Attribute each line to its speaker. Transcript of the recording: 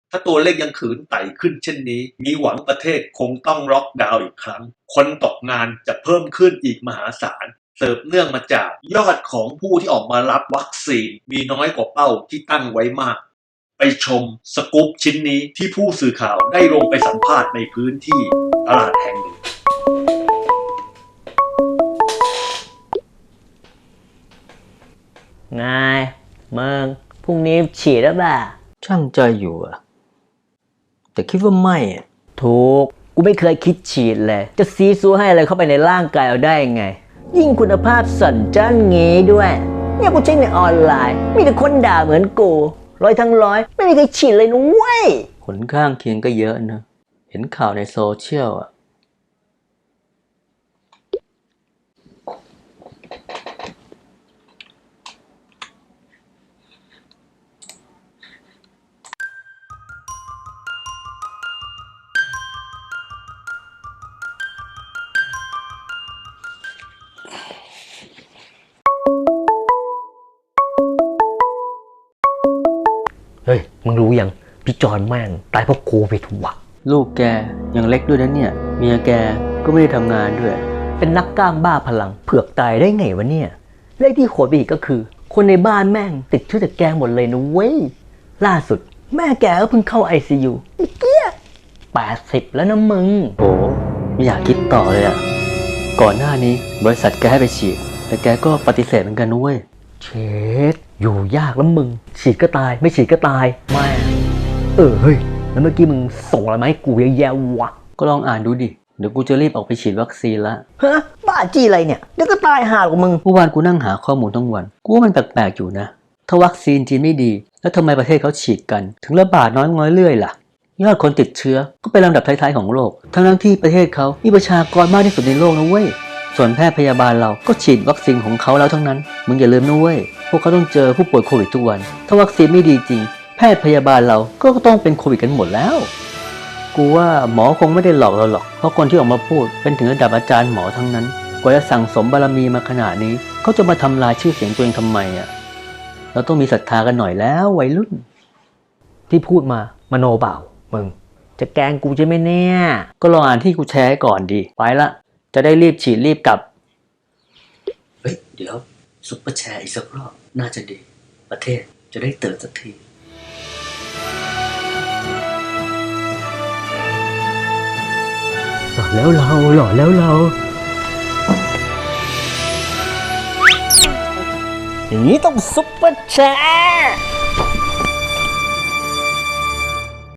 Speaker 1: ถ้าตัวเลขยังขืนไต่ขึ้นเช่นนี้มีหวังประเทศคงต้องล็อกดาวน์อีกครั้งคนตกงานจะเพิ่มขึ้นอีกมหาศาลเสิร์ฟเนื่องมาจากยอดของผู้ที่ออกมารับวัคซีนมีน้อยกว่าเป้าที่ตั้งไว้มากไปชมสกู๊ปชิ้นนี้ที่ผู้สื่อข่าวได้ลงไปสัมภาษณ์ในพื้นที่ตลาดแห่งหนึ่ง
Speaker 2: ไงมึงพรุ่งนี้ฉีดแล้วป่ะ
Speaker 3: ช่างใจอยู่อะแต่คิดว่าไม่อะ
Speaker 2: ถูกกูไม่เคยคิดฉีดเลยจะซีซัวให้อะไรเข้าไปในร่างกายเอาได้ไงยิ่งคุณภาพสั่นจ้านงี้ด้วยเนี่ยกูเช็คในออนไลน์มีแต่คนด่าเหมือนกู100 ทั้ง 100ไม่มีใครฉีดเลยนุ้ย
Speaker 3: ผลข้างเคียงก็เยอะนะเห็นข่าวในโซเชียลอะ
Speaker 2: เฮ้ยมึงรู้ยังพี่จอนแม่งตายเพราะโควิดว่ะ
Speaker 3: ลูกแกยังเล็กด้วยนะเนี่ยเมียแกก็ไม่ได้ทำงานด้วย
Speaker 2: เป็นนักกล้ามบ้าพลังเผือกตายได้ไงวะเนี่ยเลขที่โหดไปอีกก็คือคนในบ้านแม่งติดเชื้อจากแกหมดเลยนะเว้ยล่าสุดแม่แกก็เพิ่งเข้า ICU เกี้ย80แล้วนะมึง
Speaker 3: โอ้ไม่อยากคิดต่อเลยอะก่อนหน้านี้บริษัทแกให้ไปฉีดแต่แกก็ปฏิเสธเหมือนกันนุ้ย
Speaker 2: เช็ดอยู่ยากแล้วมึงฉีดก็ตายไม่ฉีดก็ตายไม่เฮ้ยแล้วเมื่อกี้มึงส่งอะไรมาให้กูเยอะแยะวะ
Speaker 3: ก็ลองอ่านดูดิเดี๋ยวกูจะรีบออกไปฉีดวัคซีนละ
Speaker 2: ฮะบ้าจี้อะไรเนี่ยเดี๋ยวก็ตายห่าหรอกมึง
Speaker 3: เมื่อวานกูนั่งหาข้อมูลทั้งวันกูว่ามันแปลกๆอยู่นะถ้าวัคซีนจีนไม่ดีแล้วทำไมประเทศเขาฉีดกันถึงระบาดน้อยเรื่อยล่ะยอดคนติดเชื้อก็เป็นลำดับท้ายๆของโลกทั้งที่ประเทศเขามีประชากรมากที่สุดในโลกนะเว้ยส่วนแพทย์พยาบาลเราก็ฉีดวัคซีนของเขาแล้วทั้งนั้นมึงอย่าลืมนะเว้ยพวกเขาต้องเจอผู้ป่วยโควิดทุกวันถ้าวัคซีนไม่ดีจริงแพทย์พยาบาลเราก็ต้องเป็นโควิดกันหมดแล้วกูว่าหมอคงไม่ได้หลอกเราหรอกเพราะคนที่ออกมาพูดเป็นถึงระดับอาจารย์หมอทั้งนั้นกว่าจะสั่งสมบารมีมาขนาดนี้เขาจะมาทำลายชื่อเสียงตัวเองทำไมอ่ะเราต้องมีศรัทธากันหน่อยแล้ววัยรุ่น
Speaker 2: ที่พูดมามโนเปล่ามึงจะแกล้งกูใช่ไหมเนี่ย
Speaker 3: ก็ลองอ่านที่กูแชร์ก่อนดีไปละจะได้รีบฉีดรีบกลับเฮ้ยเดี๋ยวซุปเปอร์แชร์อีกสักรอบน่าจะดีประเทศจะได้เติบสักที
Speaker 2: หล่อแล้วเราอย่างนี้ต้องซุปเปอร์แชร์